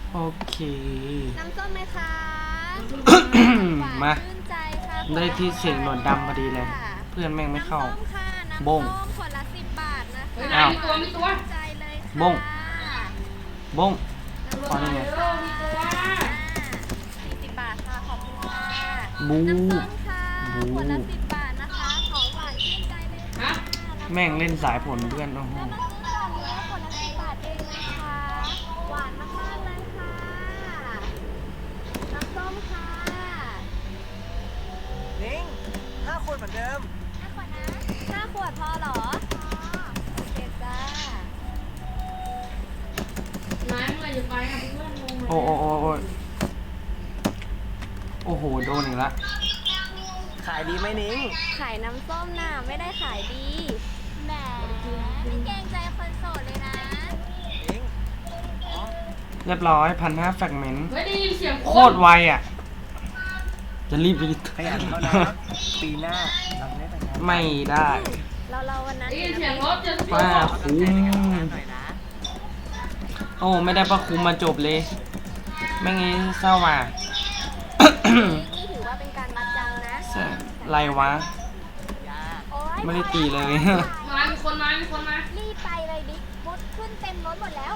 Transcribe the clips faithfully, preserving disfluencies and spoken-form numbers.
โอเคน้ำส้มไหมคะมาชื่นใจค่ะได้ที่เสียงหนวดดำพอดีเลย เพื่อนแม่งไม่เข้าน้ำส้มค่ะน้ำบส้งมขวดละสิบบาทนะคะอ้าวมีตัวมีตัวชื่นใจเลยค่ะบง บงพอนี่ไงมีตัวสี่สิบบาทค่ะขอบคุณค่ะบูน้ำส้มค่ะบูขวดละสิบบาทนะคะของหวานชื่นใจเลยค่ะแม่งเล่นสายผลเพื่อนโอ้โหแล้วมาซื้อก่อนเนื้อขวดละสิบบาทเองนะคะหวานมากๆเลยค่ะน้ำส้มค่ะนิ้งห้าคนเหมือนเดิมห้าขวดนะห้าขวดพอเหรอโอเคจ้านายเมื่อไหร่จะไปอ่ะเพื่อนงงเลยโอ้โอ้โอ้โอ้โอ้โหโดนอีกละขายดีไหมนิ้งขายน้ำส้มน่ะไม่ได้ขายดีแหมไม่เกรงใจคนโสดเลยนะนิ้งอ๋อเรียบร้อยพันห้าแฟกเมนต์เฮ้ยได้ยินเสียงโคตรไวอ่ะ จะรีบไปขยันเขานะปีหน้าเราได้แต่งงานไม่ได้เราเราวันนั้นได้ยินเสียงรถจะป้าเสียงคุ้มหน่อยนะโอ้ไม่ได้ประคุมมาจบเลย ไม่งี้เศร้าว่ะนี่ถือว่าเป็นการมัดจังนะไรวะยาโอ๊ยไม่ได้ตีเลยมามีคนมามีคนมารีบไปเลยบิ๊กพุดขึ้นเต็มรถหมดแล้ว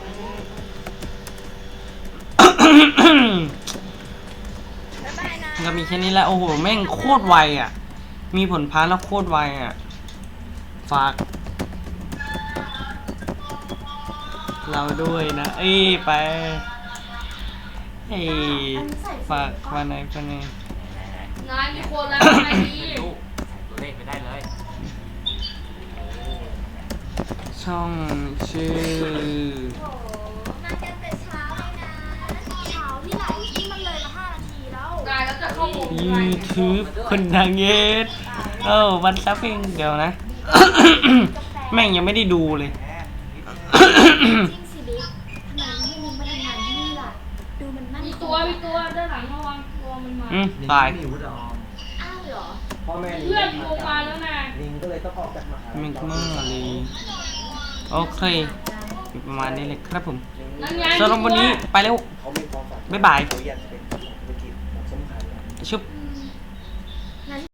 บ๊ายบายนะก็มีแค่นี้แหละ โอ้โห แม่งโคตรไวอ่ะ มีผลพาแล้วโคตรไวอ่ะ ฝาก เราด้วยนะ เอ้ยไป เอ้ยฝากมาไหนไปไหนนายมีคนแล้วนายดีลูกตัวเลขไปได้เลยช่องชื่อมากันแต่เช้าเลยนะเช้าที่ไหนที่มันเลยมาห้านาทีแล้วนายแล้วจะเข้าหมู่ YouTube คนดังเยสเออวันซับเองเดี๋ยวนะ แม่งยังไม่ได้ดูเลยแหมจริงสิบิ๊กทำไมไม่ให้มินมาทำงานที่นี่ล่ะ ดูมันมั่นมีคงตัวมีตัวด้านหลังระวังตัวมันมาอืมตายนิ้งไม่อยู่หรออ้าวเหรอพ่อแม่เพื่อนโทรมาแล้วนะนิ้งก็เลยต้องออกจากมหาลัยมิกเมอร์เลยโอเคมีประมาณนี้เลยครับผมนั่นไงสำหรับวันนี้ไปแล้วเขามีความฝันบ๊ายบายเขาอยากจะเป็นธุรกิจน้ำส้มขายชุบ